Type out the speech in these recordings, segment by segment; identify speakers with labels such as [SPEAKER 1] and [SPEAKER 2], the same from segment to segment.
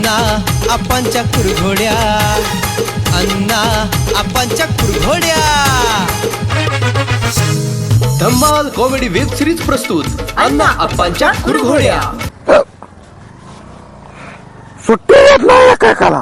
[SPEAKER 1] अण्णा आपांच्या कुरघोड्या, अण्णा आपांच्या कुरघोड्या.
[SPEAKER 2] धम्माल कॉमेडी वेब सिरीज प्रस्तुत अण्णा आपांच्या कुरघोड्या.
[SPEAKER 3] सुट्टी येत नाही काय करा.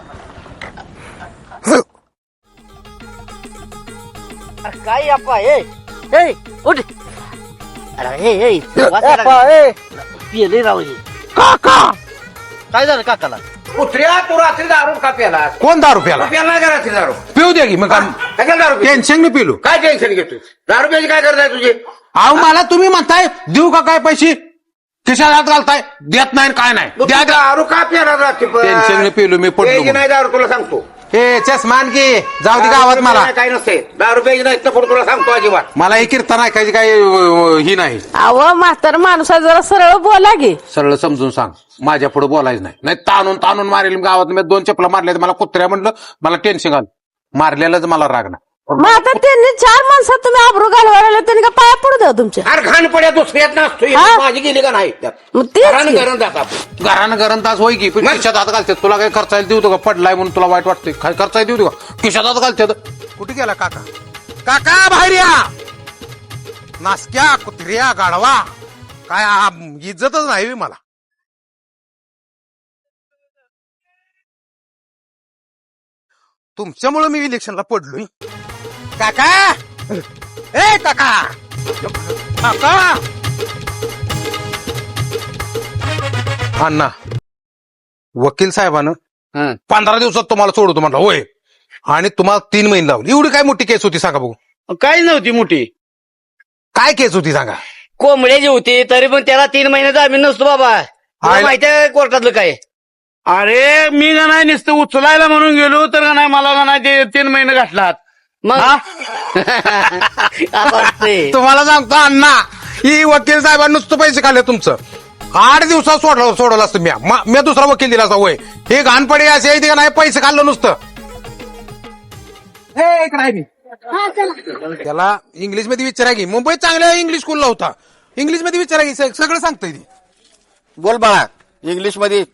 [SPEAKER 4] काय अप्पा ए ए उठ. अरे ए पिले राव हे.
[SPEAKER 3] काका
[SPEAKER 4] काय झालं काकाला?
[SPEAKER 5] कुत्र्या तू रात्री दारू का प्याला?
[SPEAKER 3] कोण दारू प्याला?
[SPEAKER 5] प्याला नाही का रात्री दारू?
[SPEAKER 3] पिऊ द्या की मग
[SPEAKER 5] कशाला दारू पितो?
[SPEAKER 3] टेन्शन मी पिलो.
[SPEAKER 5] काय टेन्शन घेतोय? दारू प्यायची काय करताय तुझे?
[SPEAKER 3] अहो मला तुम्ही म्हणताय देऊ का काय पैसे, खिशाला हात घालताय, देत नाही काय नाही.
[SPEAKER 5] मग
[SPEAKER 3] द्या
[SPEAKER 5] तू दारू का प्याला रात्री?
[SPEAKER 3] टेन्शन मी पिलो मी
[SPEAKER 5] प्यायची
[SPEAKER 3] पडलो.
[SPEAKER 5] नाही दारू तुला सांगतो.
[SPEAKER 3] हे चष्मान की जाऊ दे गावात मला.
[SPEAKER 5] काय नसते दारू प्यायची नाही तर पुढे तुला सांगतो अजिबात.
[SPEAKER 3] मला हे कीर्तन ऐकायची काय ही नाही.
[SPEAKER 6] अहो म्हातार माणूस आहे, जरा सरळ बोला गे.
[SPEAKER 3] सरळ समजून सांग, माझ्या पुढे बोलायचं नाही. नाही ताणून ताणून मारेल गावात. मी 2 चपला मारल्या मला कुत्र्या म्हणलं, मला टेन्शन आलं. मारलेलंच मला राग नाही.
[SPEAKER 6] मग आता त्यांनी 4 माणसात तुम्ही आबरू घालवायला, त्यांनी का पाया पडू द्या तुमच्या.
[SPEAKER 5] अरे घाण पड्या दुसऱ्यात नसतो.
[SPEAKER 6] हा?
[SPEAKER 5] माझी गेली का नाही त्यात?
[SPEAKER 6] मग तेच
[SPEAKER 5] घरानं
[SPEAKER 6] की.
[SPEAKER 5] घरानं जात आपण.
[SPEAKER 3] घरानं घरान तास होय की पण खिशात हात घालतात. तुला काही खर्चायला देऊ का? पडलाय म्हणून तुला वाईट वाटतंय? काय खर्चायला देऊ का? खिशात हात घालतात. कुठे गेला काका? काका बाहेर या. नासक्या कुत्र्या गाढवा काय इज्जतच नाही बे मला. तुमच्यामुळे मी इलेक्शनला पडलोय. काका ए काका काका अण्णा वकील साहेबानं 15 दिवसात तुम्हाला सोडतो म्हटलं. होय, आणि तुम्हाला 3 महिने लावले. एवढी काय मोठी केस होती सांगा बघू?
[SPEAKER 4] काही नव्हती मोठी.
[SPEAKER 3] काय केस होती सांगा?
[SPEAKER 4] कोंबड्याची होती तरी पण त्याला 3 महिने जामीन नसतो बाबा. तुला माहिती आहे कोर्टातलं काय?
[SPEAKER 7] अरे मी का नाही नुसतं उचलायला म्हणून गेलो तर का नाही मला का नाही ते 3 महिने घातलात.
[SPEAKER 4] मग असं असतंय.
[SPEAKER 3] तुम्हाला सांगतो अण्णा, ही वकील साहेबांनी नुसतं पैसे खाल्ले तुमचं. 8 दिवसात सोडलं असतं मी दुसरा वकील दिला असता. होय, हे घाणपडी असे आहे का नाही, पैसे खाल्लं नुसतं. हे इकडे आहे मी. त्याला इंग्लिश मध्ये विचारा की. मुंबईत चांगल्या इंग्लिश स्कूलला होता. इंग्लिश मध्ये विचारा की, सगळं सांगतंय ती.
[SPEAKER 5] बोल बाळा इंग्लिश मध्ये.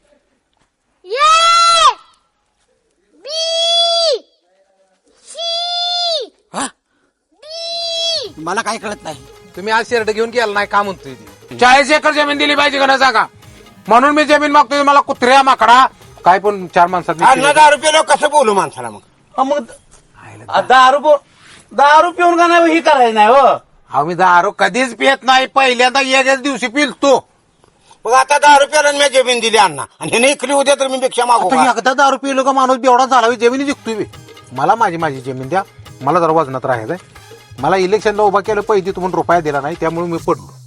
[SPEAKER 4] मला काय कळत नाही.
[SPEAKER 3] तुम्ही आज शर्ट घेऊन गेला नाही का म्हणतोय ती. 40 एकर जमीन दिली पाहिजे का नाही सांगा? म्हणून मी जमीन मागतोय. मला कुत्र्या माकडा काय पण 4 माणसात
[SPEAKER 5] अण्णा दारू प्यायला कसं बोलू माणसाला? मग
[SPEAKER 7] मग दारू पिऊन का नाही ही करायचं नाही हो.
[SPEAKER 3] आम्ही दारू कधीच पियत नाही. पहिल्यांदा एकाच दिवशी पिलतो.
[SPEAKER 5] मग आता दारू प्यायला मी जमीन दिली अण्णा आणि हे इकली उद्या तर मी भिक्षा मागू का?
[SPEAKER 3] एकदा दारू पिलो का माणूस बेवडा झाला. जमिनी जिंकतोय बे. मला माझी जमीन द्या. मला जरा वजनात राहायचंय. मला इलेक्शनला उभा केलं, पैसे तुम्हाला रुपया दिला नाही, त्यामुळे मी पडलो.